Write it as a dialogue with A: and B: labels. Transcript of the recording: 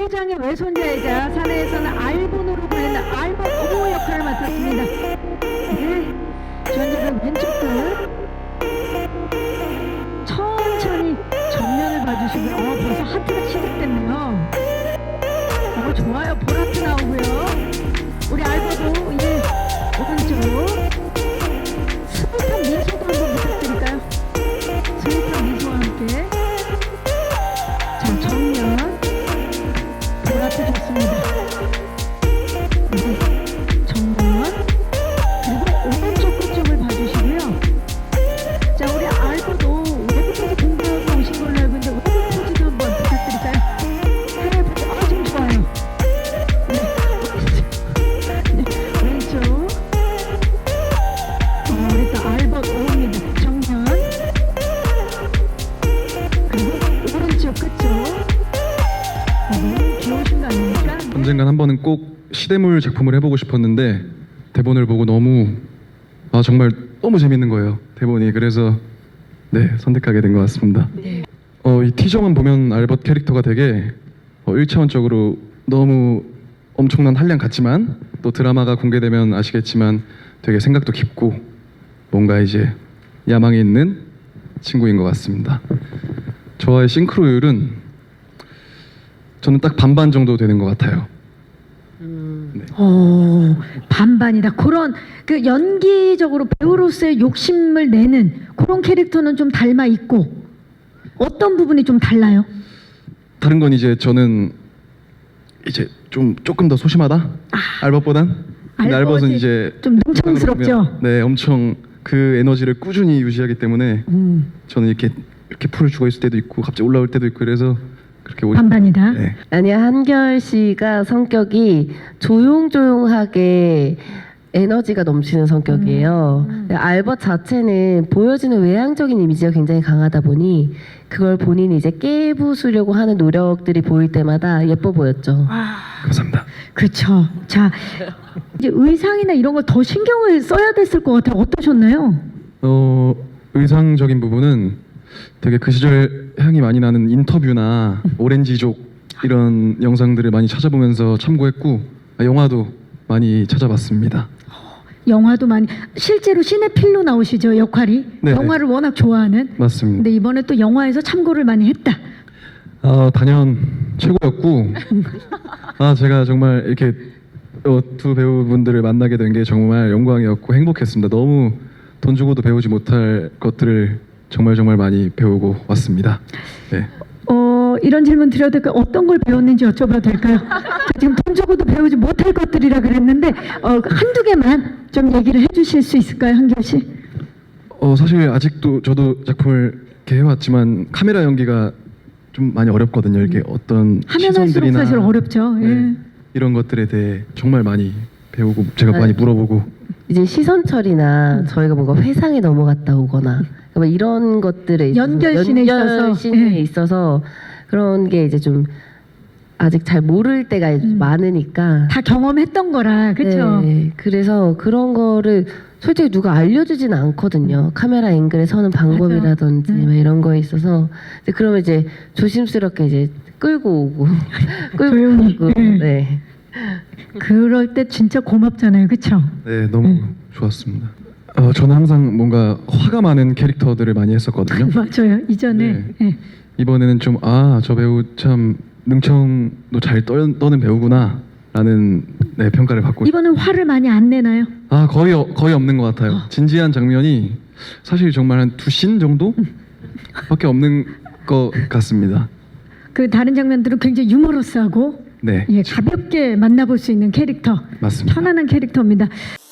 A: 회장의 외손자이자 사내에서는 알본으로 불리는 알본 어머 역할을 맡았습니다. 네, 주연자분 왼쪽 끝 천천히 정면을 봐주시고요. 벌써 하트가 시작됐네요. 좋아요. 보라트 나오고요. 우리 알보도 이제 오른쪽 스윗한 미소도 한번 부탁드릴까요? 스윗한 미소와 함께. 자, 정면 보라트 좋습니다. 네, 정면 그리고 오른쪽 끝쪽을 봐주시고요. 자, 우리 알보도 외국에서 공부하고 오신 걸로 알고 있는데 외국 포즈도 한번 부탁드릴까요? 해외 포즈 아주 좋아요. 왼쪽 우리 또 알벗 오입니다. 정면 그리고 오른쪽 끝쪽 너무 귀여우신 거 아닙니까?
B: 언젠간 한 번은 꼭 시대물 작품을 해보고 싶었는데 대본을 보고 너무 정말 너무 재밌는 거예요, 대본이. 그래서 네, 선택하게 된 것 같습니다.
A: 네.
B: 이 티저만 보면 알벗 캐릭터가 되게 1차원적으로 너무 엄청난 한량 같지만 또 드라마가 공개되면 아시겠지만 되게 생각도 깊고 뭔가 이제 야망이 있는 친구인 것 같습니다. 저와의 싱크로율은 저는 딱 반반 정도 되는 것 같아요. 네.
A: 반반이다. 그런 그 연기적으로 배우로서의 욕심을 내는 그런 캐릭터는 좀 닮아 있고 어떤 부분이 좀 달라요?
B: 다른 건 이제 저는 이제 조금 더 소심하다? 알벗보단? 근데 알벗은 이제
A: 좀 능청스럽죠?
B: 네, 엄청 그 에너지를 꾸준히 유지하기 때문에 저는 이렇게 풀을 죽어 있을 때도 있고 갑자기 올라올 때도 있고 그래서 그렇게
A: 반반이다.
B: 네.
C: 아니야, 한결 씨가 성격이 조용조용하게 에너지가 넘치는 성격이에요. 알벗 자체는 보여지는 외향적인 이미지가 굉장히 강하다 보니 그걸 본인이 이제 깨부수려고 하는 노력들이 보일 때마다 예뻐 보였죠.
B: 감사합니다.
A: 그렇죠. 자, 이제 의상이나 이런 걸 더 신경을 써야 됐을 것 같아요. 어떠셨나요?
B: 의상적인 부분은 되게 그 시절 향이 많이 나는 인터뷰나 오렌지족 이런 영상들을 많이 찾아보면서 참고했고 영화도 많이 찾아봤습니다.
A: 영화도 많이 실제로 시네필로 나오시죠, 역할이.
B: 네.
A: 영화를 워낙 좋아하는.
B: 맞습니다.
A: 근데 이번에 또 영화에서 참고를 많이 했다.
B: 단연 최고였고 제가 정말 이렇게 두 배우분들을 만나게 된 게 정말 영광이었고 행복했습니다. 너무 돈 주고도 배우지 못할 것들을 정말 많이 배우고 왔습니다. 네.
A: 이런 질문 드려도 될까요? 어떤 걸 배웠는지 여쭤봐도 될까요? 지금 돈 주고도 배우지 못할 것들이라 그랬는데 한두 개만 좀 얘기를 해주실 수 있을까요, 한결 씨?
B: 사실 아직도 저도 작품을 이렇게 해왔지만 카메라 연기가 좀 많이 어렵거든요. 이렇게 어떤
A: 하면 할수록
B: 시선들이나
A: 사실 어렵죠.
B: 네,
A: 예.
B: 이런 것들에 대해 정말 많이 배우고 제가 많이 물어보고
C: 이제 시선 처리나 저희가 뭔가 회상에 넘어갔다 오거나 뭐 이런 것들에
A: 연결신에 있어서.
C: 연결신에
A: 예.
C: 있어서 그런 게 이제 좀 아직 잘 모를 때가 많으니까
A: 다 경험했던 거라, 그렇죠?
C: 네, 그래서 그런 거를 솔직히 누가 알려주지는 않거든요. 카메라 앵글에 서는 방법이라든지 막 이런 거에 있어서 이제 그러면 이제 조심스럽게 이제 끌고 오고
A: 조용히.
C: 끌고 오고 네.
A: 그럴 때 진짜 고맙잖아요, 그렇죠?
B: 네, 너무 좋았습니다. 저는 항상 뭔가 화가 많은 캐릭터들을 많이 했었거든요.
A: 맞아요. 이전에.
B: 네.
A: 예.
B: 이번에는 좀 저 배우 참 능청도 잘 떠는 배우구나 라는 평가를 받고
A: 이번엔 화를 많이 안 내나요?
B: 거의 없는 것 같아요. 진지한 장면이 사실 정말 한 2씬 정도 밖에 없는 것 같습니다.
A: 그 다른 장면들은 굉장히 유머러스하고
B: 네,
A: 가볍게 만나볼 수 있는 캐릭터,
B: 맞습니다.
A: 편안한 캐릭터입니다.